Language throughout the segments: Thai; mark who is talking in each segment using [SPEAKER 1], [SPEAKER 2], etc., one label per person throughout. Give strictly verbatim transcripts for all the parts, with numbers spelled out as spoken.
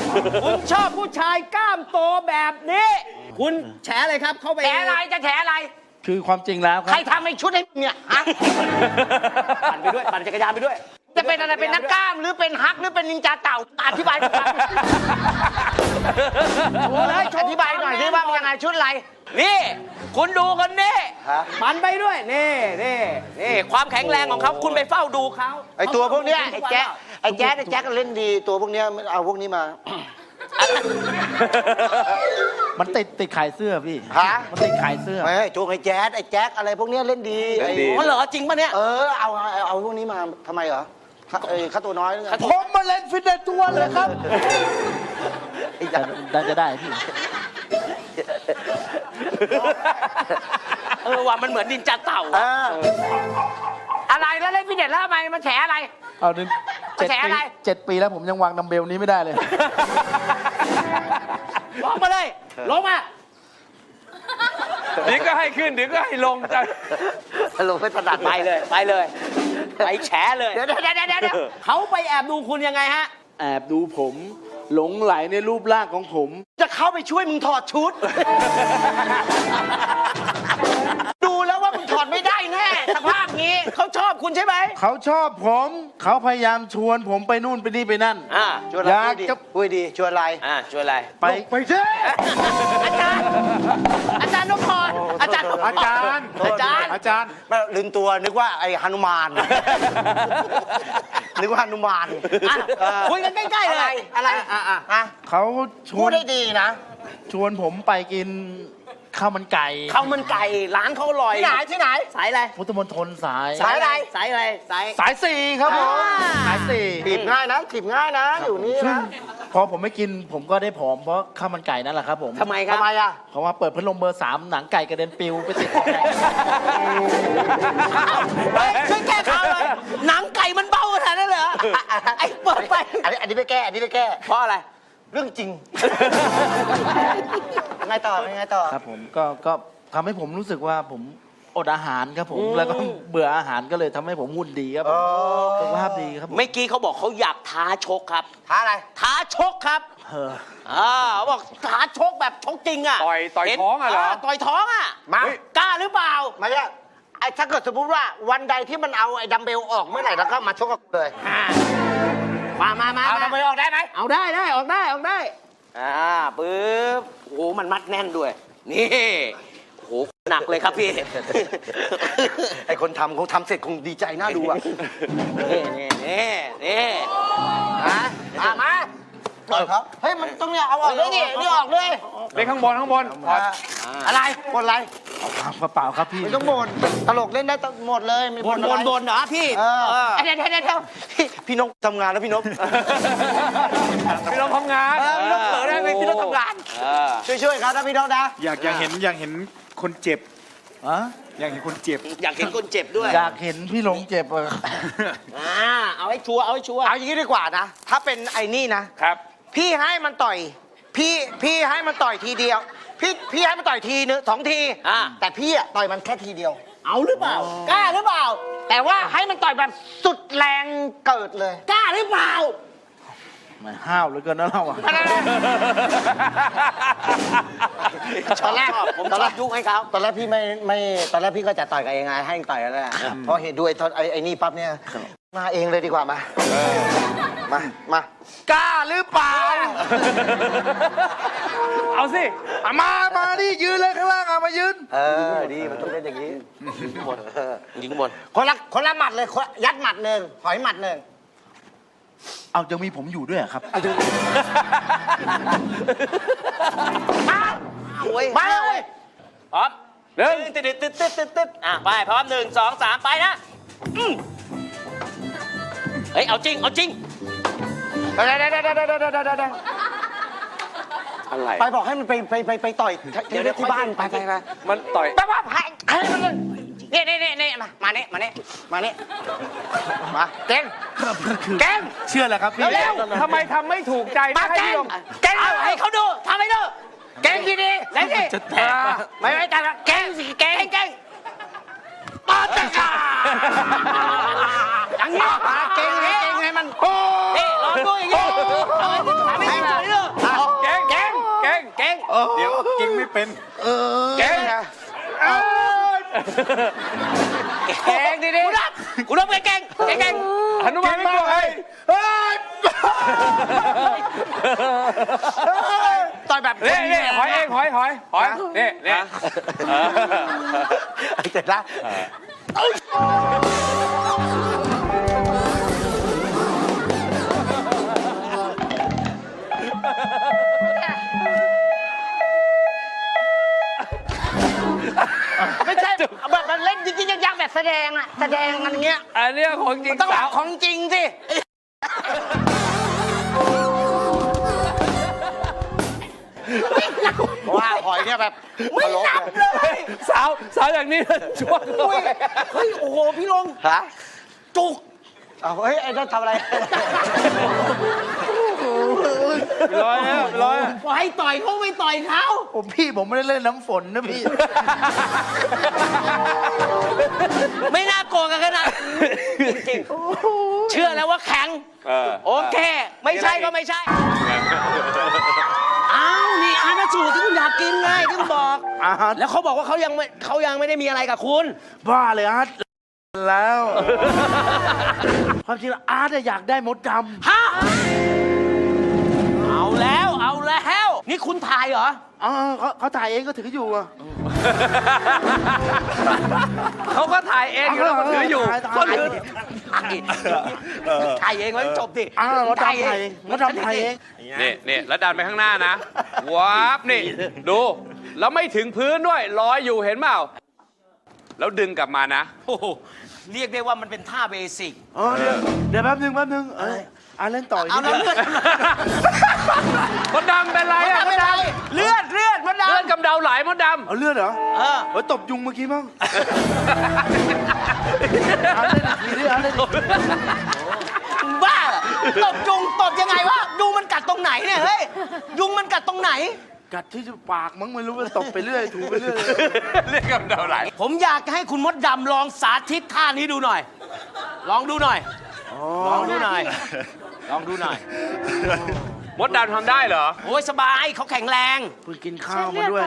[SPEAKER 1] คุณชอบผู้ชายกล้ามโตแบบนี้ คุณแฉอะไรครับ เข้าไป
[SPEAKER 2] แฉอะไรจะแฉอะไร
[SPEAKER 3] คือความจริงแล้วค
[SPEAKER 2] ใค
[SPEAKER 3] รั
[SPEAKER 2] ร
[SPEAKER 3] บ
[SPEAKER 2] ทำให้ชุดให้มึงเนี่ยฮะ
[SPEAKER 1] ปั่นไปด้วย ปั่นจักรยานไปด้วย
[SPEAKER 2] จะเป็นอะไรเป็นนักกล้ามหรือเป็นฮักหรือเป็นนินจาเต่าอธิบายก่อนโอ้ยอธิบายหน่อยดิว่ายังไงชุดอะไร
[SPEAKER 1] นี่ คุณดูคนนี้ปั่นไปด้วย นี่นี่นี่ความแข็งแรงของเขาคุณไปเฝ้าดูเขา
[SPEAKER 2] ไอตัวพวกเนี้ยไอแจ๊คไอแจ๊คไอแจ๊คเล่นดีตัวพวกเนี้ยเอาพวกนี้มา
[SPEAKER 3] มันติดติดขายเสื้อพี่
[SPEAKER 2] ฮะ
[SPEAKER 3] มันติดขายเสื้อ
[SPEAKER 2] ไม่โจงไอแจ๊คไอแจ๊คอะไรพวกเนี้ยเล่นดีไอ้
[SPEAKER 1] อ๋อเหรอจริงปะเนี่ย
[SPEAKER 2] เออเอาเอาเอาพวกนี้มาทำไมเหรอเออค่าตัวน้อยหรือไง
[SPEAKER 3] ผมมาเล่นฟิตเนสทุกวันเลยครับได้จะได้พี่
[SPEAKER 1] เออว่ามันเหมือนดินจาเต่า
[SPEAKER 2] เอออะไรแล้วเล่นฟิตเนสแล้วทำไมมันแฉอะไร
[SPEAKER 3] เอาดิเจ็ด
[SPEAKER 2] แฉ
[SPEAKER 3] ปี
[SPEAKER 2] อะไร
[SPEAKER 3] เจ็ดปีแล้วผมยังวางดัมเบลนี้ไม่ได้เลย
[SPEAKER 1] ลงมาเลย ลงมา
[SPEAKER 4] เดี๋ยวก็ให้ขึ้นเดี๋ยวก็ให้ลงจะ
[SPEAKER 2] ลงไปถนัด
[SPEAKER 1] ไปเลย ไปเลย ไปแฉเลย
[SPEAKER 2] เดี๋ยวเดี๋ยวเดี๋ยวเดี๋ยว
[SPEAKER 1] เขาไปแอบดูคุณยังไงฮะ
[SPEAKER 3] แอบดูผมหลงไหลในรูปร่างของผม
[SPEAKER 2] จะเข้าไปช่วยมึงถอดชุด ดูแล้วว่ามึงถอดไม่ได้แน่สภาพนี้
[SPEAKER 1] เขาชอบคุณใช่ไหม
[SPEAKER 3] เขาชอบผม เขาพยายามชวนผมไปนู่นไปนี่ไปนั่น
[SPEAKER 1] อ่า
[SPEAKER 2] ชวนอะไร
[SPEAKER 3] อยาก
[SPEAKER 2] พูดดี
[SPEAKER 3] จะ
[SPEAKER 2] พูดดีชวนอะไร
[SPEAKER 1] อ่าช่วยอะไร
[SPEAKER 3] ไปไปเช่
[SPEAKER 1] อาจารย์ อาจารย์นพพรอาจารย์นพพ
[SPEAKER 3] อาจารย์
[SPEAKER 1] อาจารย์
[SPEAKER 3] อาจารย์
[SPEAKER 2] ไม่ลืมตัวนึกว่าไอ้ฮนุมาน นึกว่าฮนุมาน
[SPEAKER 1] อ่ะ
[SPEAKER 2] เออ
[SPEAKER 1] คุยกันใกล้ๆเลย
[SPEAKER 2] อะไร
[SPEAKER 1] อ่ะอ่ะ
[SPEAKER 2] อ่ะ
[SPEAKER 3] เขาช
[SPEAKER 2] พู
[SPEAKER 3] ว
[SPEAKER 2] ด
[SPEAKER 3] น
[SPEAKER 2] ได้ดีนะ
[SPEAKER 3] ชวนผมไปกินข้าวมันไก่
[SPEAKER 1] ข้าวมันไก่ร้านเขาอร่อย
[SPEAKER 2] ที่ไหนที่ไหน
[SPEAKER 1] สายอะไร
[SPEAKER 3] พุทธมณฑลสาย
[SPEAKER 2] สายอะไร
[SPEAKER 1] สายอะไรสาย
[SPEAKER 3] สายสี่ครับผม
[SPEAKER 1] อ่า
[SPEAKER 3] สายสี่
[SPEAKER 2] จีบง่ายนะจีบง่ายนะ อยู่นี่
[SPEAKER 3] ซึ่ง
[SPEAKER 2] นะ
[SPEAKER 3] พอผมไม่กินผมก็ได้ผอมเพราะข้าวมันไก่นั่นแหละครับผม
[SPEAKER 1] ทำไมครับ
[SPEAKER 2] ทำไมอ่ะ
[SPEAKER 3] เพราะว่าเปิดพัดลมเบอร์สามหนังไก่กระเด็นปิวไปติด
[SPEAKER 1] เฮ้ยช่วยแก้ข่าวเลยหนังไก่มันเบาขนาดนั้นเหรอไอ้เปิดไป
[SPEAKER 2] อันนี้อันนี้ไปแก้ อันนี้ไปแก้
[SPEAKER 1] เพราะอะไร
[SPEAKER 2] เรื่องจริง ไงต่อไงต่อ
[SPEAKER 3] ครับผมก็ก็ทำให้ผมรู้สึกว่าผมอดอาหารครับผม
[SPEAKER 1] อืม
[SPEAKER 3] แล้วก็เบื่ออาหารก็เลยทำให้ผมหุ่นดีครับผม
[SPEAKER 2] อ๋อ
[SPEAKER 3] สุขภาพดีครับผม
[SPEAKER 1] เมื่อกี้เขาบอกเขาอยากท้าชกครับ
[SPEAKER 2] ท้าอะไร
[SPEAKER 1] ท้าชกครับ
[SPEAKER 3] เออ
[SPEAKER 1] อ่าเขาบอกท้าชกแบบชกจริงอ่ะ
[SPEAKER 4] ต่อยต่อย
[SPEAKER 1] เห็น
[SPEAKER 4] ท้องอะเหรอ
[SPEAKER 1] ต่อยท้องอ่ะ
[SPEAKER 2] มา
[SPEAKER 1] กล้าหรือเปล่า
[SPEAKER 2] ไม่ใช่ไอ้ถ้าเกิดสมมติว่าวันใดที่มันเอาไอ้ดัมเบลออกเมื่อไหร่แล้วก็มาชกกับกูเลย
[SPEAKER 1] อ่ามามามา
[SPEAKER 2] เอาดัมเบลออกได้ไหม
[SPEAKER 1] เอาได้ได้ออกได้ออกได้อ่าปึ๊บโอ้โหมันมัดแน่นด้วย นี่โอ้โหหนักเลยครับพี่
[SPEAKER 2] ไอ้คนทำคงทำเสร็จคงดีใจน่าดูอ่ะ
[SPEAKER 1] นี่นี่นี่นี่
[SPEAKER 2] ฮะมามาก่อนครับ เฮ้ย มันต้องเนี่ยเอาออกเลยนี่นี่ออกเลย
[SPEAKER 4] เล่นข้างบนข้างบนถอด
[SPEAKER 2] อะไรบนอะไร
[SPEAKER 3] เปล่าครับพี่
[SPEAKER 2] ไม่ต้องบ่นตลกเล่นได้หมดเลยไม่
[SPEAKER 1] บน
[SPEAKER 2] อะ
[SPEAKER 1] บ
[SPEAKER 2] ไร
[SPEAKER 1] นบนเหรอพี่
[SPEAKER 2] เออ
[SPEAKER 1] เออ
[SPEAKER 2] เดี๋ยวเดี๋ยวเดี๋ยวพี่พี่นกทำงานแล้วพี่นก
[SPEAKER 4] พี่เราทำงาน
[SPEAKER 2] เออพี่นกเผลอได้ไหมพี่นกทำงาน
[SPEAKER 1] เออ
[SPEAKER 2] ช่วยๆครับนะพี่นกนะ
[SPEAKER 5] อยากอยากเห็นอยากเห็นคนเจ็บ
[SPEAKER 3] อะ
[SPEAKER 5] อยากเห็นคนเจ็บ
[SPEAKER 1] อยากเห็นคนเจ็บด้วย
[SPEAKER 3] อยากเห็นพี่หลงเจ็บอะ
[SPEAKER 1] อ่าเอาให้ชัวร์เอาให้ชัวร์
[SPEAKER 2] เอาอย่างนี้ดีกว่านะ ถ้าเป็นไอ้นี่นะ
[SPEAKER 4] ครับ
[SPEAKER 2] พี่ให้มันต่อย พี่พี่ให้มันต่อยทีเดียว พี่พี่ให้มันต่อยทีนึงสองที
[SPEAKER 1] อ่า
[SPEAKER 2] แต่พี่อะต่อยมันแค่ทีเดียว
[SPEAKER 1] เอาหรือเปล่ากล้าหรือเปล่า
[SPEAKER 2] แต่ว่าให้มันต่อยแบบสุดแรงเกิดเลย
[SPEAKER 1] กล้าหรือเปล่า
[SPEAKER 3] มันห้าวเหลือเกินนะเราอะ
[SPEAKER 1] ตอนแรกผมชอบยุให้เขา
[SPEAKER 2] ตอนแรกพี่ไม่ไม่ตอนแรกพี่ก็จะต่อยกับเองไงให้ต่อยกันแหละพอเห็นด้วยไอ้ไอ้นี่ปั๊บเนี่ยมาเองเลยดีกว่ามามา มากล้าหรือเปล่า
[SPEAKER 4] เอาสิ
[SPEAKER 3] อะมา มาดิยืนเลยข้างล่างอะมายืน
[SPEAKER 2] เออดีมันต้องเป็นอย่างนี้
[SPEAKER 1] ยิงบน
[SPEAKER 2] คนละคนละหมัดเลยคนยัดหมัดหนึ่งถอยหมัดหนึ่ง
[SPEAKER 3] เอายังมีผมอยู่ด้วยเหรอครับ
[SPEAKER 2] มามาเลย
[SPEAKER 1] พร้อม
[SPEAKER 4] หนึ่ง
[SPEAKER 1] ตึ๊ดตึ๊ดตึ๊ดตึ๊ดตึ๊ดอ่ะไปพร้อมหนึ่งสองสามไปนะอืมเฮ้ยเอาจริงเอาจริง
[SPEAKER 2] เดี๋ยวเดี๋ยวเดี๋ยวเดี๋ยวเดี๋ยวเดี๋ยวเดี๋ยว
[SPEAKER 4] อะไร
[SPEAKER 2] ไปบอกให้มันไปไปไปไปต่อยเดี๋ยวที่บ้านไปไปไป
[SPEAKER 4] มันต่อย
[SPEAKER 2] ไปว่าให้ให้มันเลยนี่นี่นี่นี่มามานี่มานี่มานี่มาเก่งเก่ง
[SPEAKER 3] เชื่อแหละครับพี่
[SPEAKER 2] เร็ว
[SPEAKER 4] ทำไมทำไม่ถูกใจ
[SPEAKER 2] มา
[SPEAKER 4] ไม่ให้
[SPEAKER 2] เก่ง
[SPEAKER 4] พี่ลง
[SPEAKER 2] เก่ง
[SPEAKER 1] เอาให้เขาดูทำให้ดู
[SPEAKER 2] เก่งดีดีๆเล่นดิ
[SPEAKER 3] จะแตกอะ
[SPEAKER 2] ไม่ไม่แต่เก่งสิเก่งเก่งปาตะกาอย่างนี้เก่งให้เก่งให้มันโอ้
[SPEAKER 1] นี่ลองดูอย่างงี้เอาไอ้ที่ขาไม่สวยเลย
[SPEAKER 4] เก่งเก่งเก่ง
[SPEAKER 1] เก่ง
[SPEAKER 5] เดี๋ยวเก่งไม่เป็น
[SPEAKER 4] เก่ง
[SPEAKER 1] เก่งดิดิกูรับกูรับเก่งเก่งเก่ง
[SPEAKER 4] หนุมานไม่กลัวใคร
[SPEAKER 2] ต่อยแบบ
[SPEAKER 4] นี่นี่หอยเองหอยหอยหอยนี่นี่
[SPEAKER 2] ไอ้เจ็ดละ ไม่ใช่แบบมันเล่นจริงๆยักๆแบบแสดงอะแสดงกันอย่างเงี้ย
[SPEAKER 4] อันนี้ของจริง
[SPEAKER 2] ต้อง
[SPEAKER 4] สาว
[SPEAKER 2] ของจริงสิว่าหอยเนี่ยแบบไม่นับเลย
[SPEAKER 4] สาวสาวอย่างนี้ช่วง
[SPEAKER 2] เฮ้ย โอ้โห พี่ลงฮะจุกเอาเฮ้ย ไอ้นั่นทำอะไร
[SPEAKER 3] ร้อยแล้วร้อย
[SPEAKER 1] ปล่อยต่อยเขาไม่ต่อยเขา
[SPEAKER 3] ผมพี่ผมไม่ได้เล่นน้ำฝนนะพี่
[SPEAKER 1] ไม่น่าโกงกันขนาดจริงๆเชื่อแล้วว่าแข็งโอเค ไม่ใช่ก็ไม่ใช่อ้าวนี่อาณาสูตรที่คุณอยากกินไงที่คุณบอก
[SPEAKER 3] อาร์ต
[SPEAKER 1] แล้วเขาบอกว่าเขายังไม่เขายังไม่ได้มีอะไรกับคุณ
[SPEAKER 3] บ้าเลยอาร์ตแล้ว ความจริงแล้วอาร์ตอะอยากได้มดด
[SPEAKER 1] ฮะเอาแล้วเอาแล้ว นี่คุณถ่ายเหรอ
[SPEAKER 3] ำอ๋อเขาเขาถ่ายเองก็ถืออยู่อะ
[SPEAKER 4] เขาก็ถ่ายเองอยู่แล้วก็ถืออยู่
[SPEAKER 3] ถ่ายถ่าย
[SPEAKER 4] ก็ถือ
[SPEAKER 1] ถ่ายเองไว้จบดิ
[SPEAKER 3] อ้าวมดดำถ่ายเองมดดำถ่ายเอง
[SPEAKER 4] นี่นี่แล้วดันไปข้างหน้านะวับนี่ดู แล้วไม่ถึงพื้นด้วยลอยอยู่เห็นเปล่าแล้วดึงกลับมานะ
[SPEAKER 1] โอ้โหเรียกได้ว่ามันเป็นท่าเบสิก
[SPEAKER 3] อ๋อเดี๋ยวเดี๋ยวแป๊บนึงแป๊บนึงเอออาร์ตเล่นต่ออีก
[SPEAKER 1] เอา
[SPEAKER 3] นิด
[SPEAKER 1] แล้ว
[SPEAKER 3] นึง
[SPEAKER 1] เลือด
[SPEAKER 4] มดดำเป็นไรอ่ะมดดำ
[SPEAKER 1] เลือดเลือดมันดำ
[SPEAKER 4] เลือดกำเดาไหลมดด
[SPEAKER 3] เอาเลือดเหรอ
[SPEAKER 1] เออ
[SPEAKER 3] เฮ้ยตบยุงเมื่อกี้มั้งอาร์ตเล่นอีกทีดิอาร์ตเล่นอีกที
[SPEAKER 1] บ้าเหรอตบยุงตบยังไงวะยุงมันกัดตรงไหนเนี่ยเฮ้ยยุงมันกัดตรงไหน
[SPEAKER 3] กัดที่ปากมั้งไม่รู้ว่าตบไปเรื่อยถูไปเรื่อย
[SPEAKER 4] ำเลือดกำเดาไหล
[SPEAKER 1] ผมอยากให้คุณมดดำลองสาธิตท่านี้ดูหน่อย ลองดูหน่อย ลองดูหน่อย ลองดูหน่อย
[SPEAKER 4] มดดำทำได้เหรอ
[SPEAKER 1] โอ้ยสบายเขาแข็งแรง
[SPEAKER 3] เพิ่งกินข้าวมาด้วย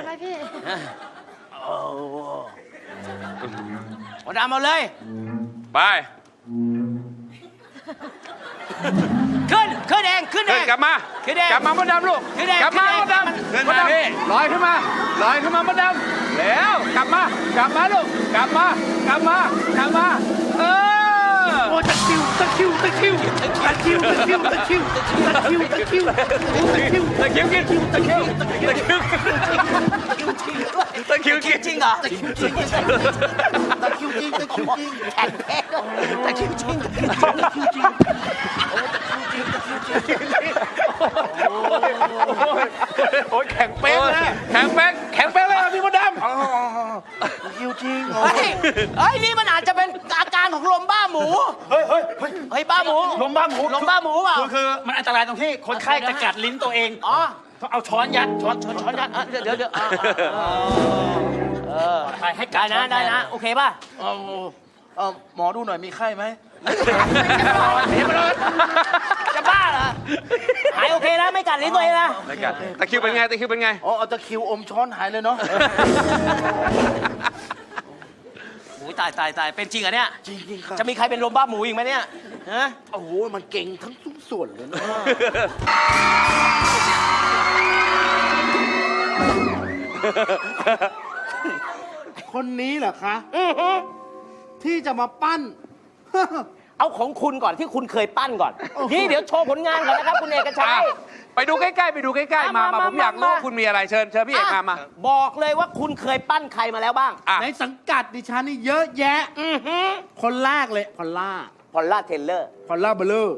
[SPEAKER 1] มดดำเอาเลย
[SPEAKER 4] ไป
[SPEAKER 1] ขึ้น ขึ้นเอง ขึ้นเอ
[SPEAKER 4] ขึ้น
[SPEAKER 1] ง
[SPEAKER 4] กลับมา
[SPEAKER 1] ขึ้นเอง
[SPEAKER 4] กลับมามดดำลูก
[SPEAKER 1] ขึ้นเอง
[SPEAKER 4] กลับมา
[SPEAKER 1] ขึ้
[SPEAKER 4] ม
[SPEAKER 1] น
[SPEAKER 4] ด
[SPEAKER 1] เอง
[SPEAKER 4] ดำ
[SPEAKER 1] ขึ้น
[SPEAKER 4] ม
[SPEAKER 1] มา
[SPEAKER 4] ดดำลอยขึ้นมาลอยขึ้นมามดดำแล้วกลับมากลับมาลูกกลับมากลับมากลับมาเออ
[SPEAKER 3] โอ้ตะคิวตะคิวตะคิวตะคิวตะคิวตะคิวตะคิวตะคิวตะคิว
[SPEAKER 4] ตะคริวกินตะคริวตะคริวตะคริวกิน
[SPEAKER 1] จริงเหรอ
[SPEAKER 3] ตะคิวจริงตะคิวจริง
[SPEAKER 1] แข็งแรงแต่จริงจริง
[SPEAKER 3] ตะคิวจริง
[SPEAKER 4] โอ้ยแข็งเป๊กเลยแข็งเป๊กแข็งเป๊กเลยอ่ะพี่มดดำ
[SPEAKER 3] อ๋อตะคิวจริงโอ้
[SPEAKER 1] เฮ้ยเฮ้ย นี่มันอาจจะเป็นอาการของลมบ้าหมู เฮ้ยเฮ้ยเฮ้ยบ้าหมู
[SPEAKER 6] ลมบ้าหมู
[SPEAKER 1] ลมบ้าหมูเปล่า
[SPEAKER 6] คือคือมันอันตรายตรงที่คนไข้จะกัดลิ้นตัวเอง
[SPEAKER 1] อ๋อ
[SPEAKER 6] ต้องเอาช้อนยัดช้อนช้อนช้อนยัด
[SPEAKER 1] อ่ะเดี๋ยวเดี๋ยวเดี๋ยวอ่ะอ่ะเออ
[SPEAKER 6] ไปให้กั
[SPEAKER 1] ได้
[SPEAKER 6] ด
[SPEAKER 1] นะได้นะ โอเคป่ะ
[SPEAKER 3] เอาเอาหมอดูหน่อยมีไข้ไหม
[SPEAKER 1] จะบ้าเหรอ หายโอเคนะ ไม่กัดลิ้นตัวเองนะ
[SPEAKER 4] ตะคริวเป็นไงตะคริวเป็นไง
[SPEAKER 3] อ๋อเอาตะคิวอมช้อนหายเลยเนาะ
[SPEAKER 1] โอ้ยตายตายตายเป็นจริงเหรอเนี่ย
[SPEAKER 3] จริงจริงครับ
[SPEAKER 1] จะมีใครเป็นลมบ้าหมูอีกไหมเนี่ยฮะ
[SPEAKER 3] โอ้โหมันเก่งทั้งทุกส่วนเลยนะคนนี้เหรอคะที่จะมาปั้น
[SPEAKER 1] เอาของคุณก่อนที่คุณเคยปั้นก่อน นี่เดี๋ยวโชว์ผลงานก่อนนะครับ คุณเอกชัย
[SPEAKER 4] ไปดูใกล้ๆไปดูใกล้ๆมามาผมอยากรู้ว่าคุณมีอะไรเชิญเชิญพี่เอกมามา
[SPEAKER 1] อ่ะบอกเลยว่าคุณเคยปั้นใครมาแล้วบ้าง
[SPEAKER 4] อ่ะ
[SPEAKER 3] ในสังกัดดิฉันนี่เยอะแยะ
[SPEAKER 1] อือฮึ
[SPEAKER 3] คนแรกเลยพอลล่า
[SPEAKER 1] พอลล่าเทเลอร์
[SPEAKER 3] พอลล่าเบลเลอร์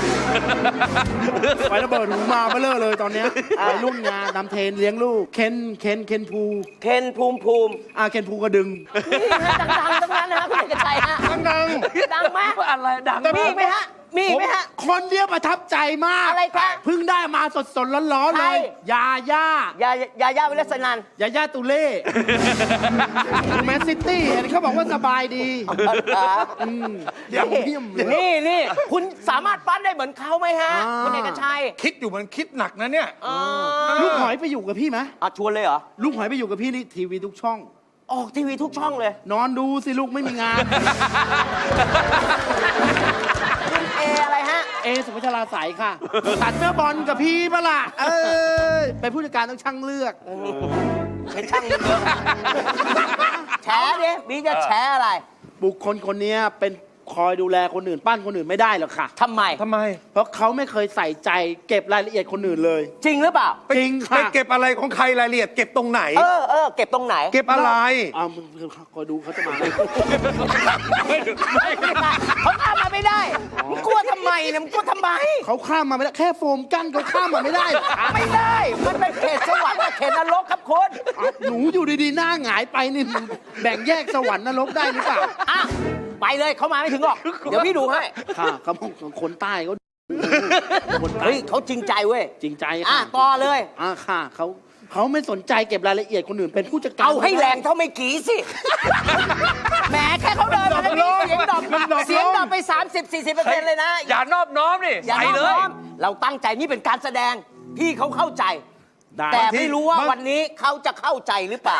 [SPEAKER 3] ไประเบิดหูมาเบลเลอร์เลยตอนเนี้ยวัยรุ่นงานนำเทรนเลี้ยงลูก เคนเคนเคนภู
[SPEAKER 1] เคนภูมิภูมิ
[SPEAKER 3] อ่าเคนภูกระดึง
[SPEAKER 1] นี่ฮะดังๆทั้งนั้นนะฮะคุณเอกชัยฮะ
[SPEAKER 3] ดัง
[SPEAKER 1] ดังไหม
[SPEAKER 4] อะไรดัง
[SPEAKER 1] มีอีกไหมฮะมีไหมฮะ
[SPEAKER 3] คนเดียวประทับใจมาก
[SPEAKER 1] อะไรคะ
[SPEAKER 3] เพิ่งได้มาสดสดๆร้อนๆ
[SPEAKER 1] ใค
[SPEAKER 3] เล
[SPEAKER 1] ร
[SPEAKER 3] ย ยาย่าย
[SPEAKER 1] ายายาวิลสนัน
[SPEAKER 3] ยาย่าตุเล่แมนซิตี้เห็นเขาบอกว่าสบายดีอืมเยี่ยมเยี่ยมเลย
[SPEAKER 1] นี่นี่คุณสามารถปั้นได้เหมือนเขาไหมฮะ
[SPEAKER 3] อ่า
[SPEAKER 1] คุณเอกชัย
[SPEAKER 5] คิดอยู่มันคิดหนักนะเนี่ย
[SPEAKER 1] อ่า
[SPEAKER 3] ลูกหอยไปอยู่กับพี่ไหม
[SPEAKER 1] อ่ะชวนเลยเหรอ
[SPEAKER 3] ลูกหอยไปอยู่กับพี่นี่ทีวีทุกช่อง
[SPEAKER 1] ออกทีวีทุกช่องเลย
[SPEAKER 3] นอนดูสิลูกไม่มีงาน
[SPEAKER 1] คุณเออะไรฮะ
[SPEAKER 3] เอสุภาชราใสยค่ะ ตัดเมื่อบอลกับพี่ปะล่ะเออเป็นผู้จัดการต้องช่างเลือก
[SPEAKER 1] เป็นช่างเยอะแฉดิบีจะแฉอะไร
[SPEAKER 3] บุคคลคนนี้เป็นคอยดูแลคนอื่นปั้นคนอื่นไม่ได้หรอกค่ะ
[SPEAKER 1] ทำไม
[SPEAKER 5] ทำไม
[SPEAKER 3] เพราะเขาไม่เคยใส่ใจเก็บรายละเอียดคนอื่นเลย
[SPEAKER 1] จริงหรือเปล่า
[SPEAKER 3] จริง
[SPEAKER 5] ไป
[SPEAKER 3] ค่ะ
[SPEAKER 5] เก็บอะไรของใครรายละเอียด เก็บตรงไหน
[SPEAKER 1] เออเออเก็บตรงไหน
[SPEAKER 5] เก็บอะไร
[SPEAKER 3] อ้าวมึงคอยดูเขาจะมาเลย
[SPEAKER 1] เขาข้ามมาไม่ได้มึงกลัวทำไมเนี่ยมึงกลัวทำไม
[SPEAKER 3] เขาข้ามมาไม่ได้แค่โฟมกั้นเขาข้ามมาไม่ได้หรอกค่ะ
[SPEAKER 1] ไม่ได้ มันเป็นเขตสวรรค์กับเขตนรกครับคุณ
[SPEAKER 3] หนูอยู่ดีๆหน้าหงายไปนี่แบ่งแยกสวรรค์นรกได้หรือเปล่า
[SPEAKER 1] อ่ะ ไปเลยเขามาไม่ถึงหรอก เดี๋ยวพี่ดูให้
[SPEAKER 3] ค่ะเขาบอกคนใต้เขาคนใต้
[SPEAKER 1] เฮ้ยเขาจริงใจเว้ย
[SPEAKER 3] จริงใจ
[SPEAKER 1] อ่ะ
[SPEAKER 3] ค่ะ
[SPEAKER 1] ต่อเลย
[SPEAKER 3] อ่าค่ะเขาเขาไม่สนใจเก็บรายละเอียดคนอื่นเป็นผู้จัดการ
[SPEAKER 1] เอาให้แรงเท่าไม่กี่สิ แหมแค่เขาเดินมาแล้วนี่เสียงดรอปเสียงดรอปไป สามสิบสี่สิบเปอร์เซ็นต์ เลยนะ
[SPEAKER 4] อย่านอบน้อมนี่
[SPEAKER 1] อย่า
[SPEAKER 4] ใส่
[SPEAKER 1] น้อม
[SPEAKER 4] เลย
[SPEAKER 1] น้อมเราตั้งใจนี่เป็นการแสดง พี่เขาเข้าใจ
[SPEAKER 3] ได้
[SPEAKER 1] แต่ไม่รู้ว่าวันนี้เขาจะเข้าใจหรือเปล่า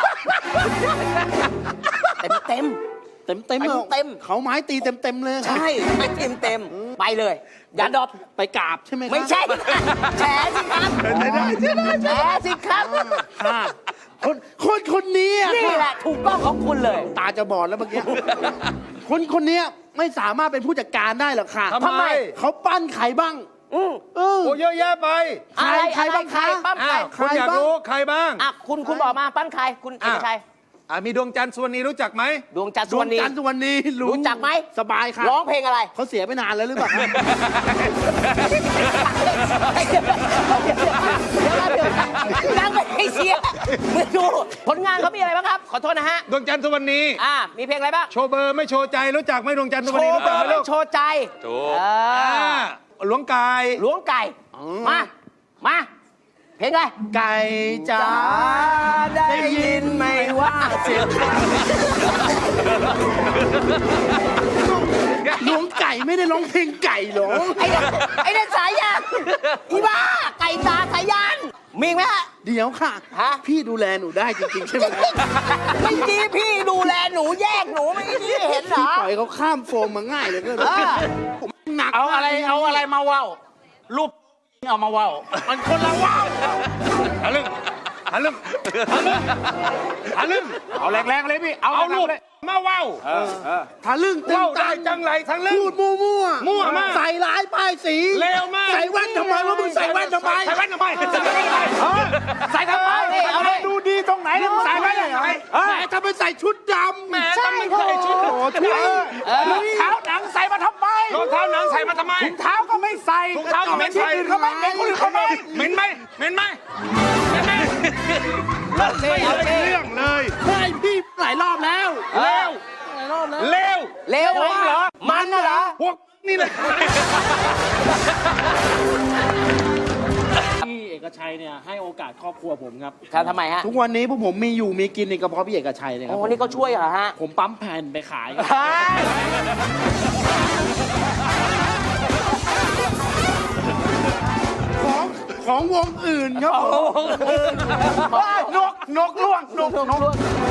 [SPEAKER 1] เต็มเต็ม
[SPEAKER 3] เต็มเต็ม
[SPEAKER 1] เต็ม
[SPEAKER 3] เขาไม้ตีเต็มเต็มๆเลย
[SPEAKER 1] ๆใช่ไม่เต็มเต็มๆไปเลย อย่าดรอป
[SPEAKER 3] ไปกราบใช่ไหมคะ
[SPEAKER 1] ไม่ใช่ แฉสิครับแฉสิครับ
[SPEAKER 3] ค่ะคนคนคนนี้อะ
[SPEAKER 1] นี่แหละถูกต้องของคุณเลย
[SPEAKER 3] ตาจะบอดแล้วเมื่อกี้ คนคนนี้ไม่สามารถเป็นผู้จัดการได้หรอกค่ะ
[SPEAKER 5] ทำไม
[SPEAKER 3] เขาปั้นใครบ้าง
[SPEAKER 1] อืม
[SPEAKER 3] เออ
[SPEAKER 5] โอ้เยอะแยะไป
[SPEAKER 1] อะไร
[SPEAKER 3] ใคร
[SPEAKER 1] อะไร
[SPEAKER 3] บ้าง
[SPEAKER 1] ใคร
[SPEAKER 3] คะ
[SPEAKER 1] ปั้มใคร
[SPEAKER 5] อ้าวคุณอยากรู้ใครบ้าง
[SPEAKER 1] อ่ะคุณคุณบอกมาปั้นใครคุณเอกชัย
[SPEAKER 5] อ่ะมีดวงจันทร์ส่วนนี้รู้จักไหม
[SPEAKER 1] ดวงจันทร์
[SPEAKER 3] ด
[SPEAKER 1] สุ
[SPEAKER 3] ว
[SPEAKER 1] ว
[SPEAKER 3] ง
[SPEAKER 1] รรณี
[SPEAKER 3] จันทร์สุวรรณี
[SPEAKER 1] รู้จักไหม
[SPEAKER 3] สบายค่ะ
[SPEAKER 1] ร้องเพลงอะไร
[SPEAKER 3] เขาเสียไปนานแล้วหรือเปล่าคะ
[SPEAKER 1] เดี๋ยวนั่งไปให้เสียมือดูผลงานเขามีอะไรบ้างครับ ขอโทษนะฮะ
[SPEAKER 5] ดวงจันทร์สุวรรณี
[SPEAKER 1] อ่ามีเพลงอะไรบ้าง
[SPEAKER 5] โชว์เบอร์ไม่โชว์ใจรู้จักไหมดวงจันทร์สุ
[SPEAKER 1] โช
[SPEAKER 5] วรรณี
[SPEAKER 1] ว์
[SPEAKER 5] รู้
[SPEAKER 1] เบ
[SPEAKER 5] จั
[SPEAKER 1] อก
[SPEAKER 5] ไหม
[SPEAKER 1] ร์
[SPEAKER 5] ลู
[SPEAKER 1] ไม่
[SPEAKER 5] ก
[SPEAKER 1] โชว์ใจ
[SPEAKER 4] ถูก
[SPEAKER 1] เอ
[SPEAKER 5] อ่า
[SPEAKER 1] อ
[SPEAKER 5] หลวงกาย
[SPEAKER 1] ล้วงไก่ มา มา เพลงอะไร
[SPEAKER 3] ไก่จ๋า
[SPEAKER 1] ได้ยินไหมว่าเสียง
[SPEAKER 3] หลวงไก่ไม่ได้ร้องเพลงไก่หรอ
[SPEAKER 1] ไอ้เนี่ยไอ้เนี่ยสายยานอีบ้า ไก่ตาสายยานมีอีกไหมฮะ
[SPEAKER 3] เดี๋ยวค่ะ
[SPEAKER 1] ฮะ
[SPEAKER 3] พี่ดูแลหนูได้จริงๆใช่ไหม
[SPEAKER 1] ไม่ดีพี่ดูแลหนูแยกหนูไม่ดีเห็นเหร
[SPEAKER 3] พี่
[SPEAKER 1] อ
[SPEAKER 3] ปล่อยเขาข้ามโฟมมาง่ายเลยก็
[SPEAKER 1] เออ
[SPEAKER 3] หนัก
[SPEAKER 6] เอาอะไรเอาอะไรมาว่าวรูปเอามาว่าว
[SPEAKER 3] มันคนละว่าว
[SPEAKER 5] หาเรื่องหาเรื่องหาเรื่องหาเรื่อง
[SPEAKER 6] เอาแรงๆเลยพี่ เอา
[SPEAKER 5] เอาลูก
[SPEAKER 6] เลย
[SPEAKER 5] มาว้าว
[SPEAKER 3] ทะลึ่งตึง
[SPEAKER 5] ว้าว
[SPEAKER 3] ตั
[SPEAKER 5] ได้
[SPEAKER 3] ง
[SPEAKER 5] จังไรทั้งเรื่อง
[SPEAKER 3] พูดมั่วมั่ว
[SPEAKER 5] มั่วมาก
[SPEAKER 3] ใส่ร้ายป้ายสี
[SPEAKER 5] เลวมาก
[SPEAKER 3] ใส่แว่นทำไมว่ามึงใส่แว่นทำไม
[SPEAKER 5] ใส่แว่นทำไมใส่แว่นทำไม
[SPEAKER 6] ใส่ทำไม
[SPEAKER 1] เอาดิเอาดิ
[SPEAKER 6] ดูดีตรงไหนแล้วมึงใส่ไว้ยังไง
[SPEAKER 3] แหมทำไมใส่ชุดดำ
[SPEAKER 5] แหมทำไมใส่ชุด
[SPEAKER 3] โอ้โหชุด
[SPEAKER 6] รองเท้าหนังใส่มาทำไม
[SPEAKER 5] รองเท้าหนังใส่มาทำไม
[SPEAKER 6] ถุงเท้าก็ไม่ใส่
[SPEAKER 5] ถุงเท้าก็ไม่ใส่
[SPEAKER 6] ที่อื่นเขาไม่เป็นคนอื่นเขาไม่
[SPEAKER 5] เหม็นไหมเหม็นไหมเหม็นไหม
[SPEAKER 1] ไม่เอาดิ
[SPEAKER 5] เรื่องเลย
[SPEAKER 3] ให้พี่หลายรอบแล้ว
[SPEAKER 5] เลว
[SPEAKER 3] หลายรอบแล้ว
[SPEAKER 5] เลว
[SPEAKER 1] เลวเหรอ มันน่ะเหรอ
[SPEAKER 5] พวกนี่แหละ
[SPEAKER 3] พี่เอกชัยเนี่ยให้โอกาสครอบครัวผมครับ
[SPEAKER 1] ครับทำไมฮะ
[SPEAKER 3] ทุกวันนี้พวกผมมีอยู่มีกินในกระเพาะพี่เอกชัยเลยค
[SPEAKER 1] โอ้
[SPEAKER 3] รับ
[SPEAKER 1] นี่ก็ช่วยเหรอฮะ
[SPEAKER 3] ผมปั๊มแผ่นไปขายครับ
[SPEAKER 1] เฮ้ย
[SPEAKER 3] ของของวงอื่นครับผม
[SPEAKER 6] นกนกล่วงนกนก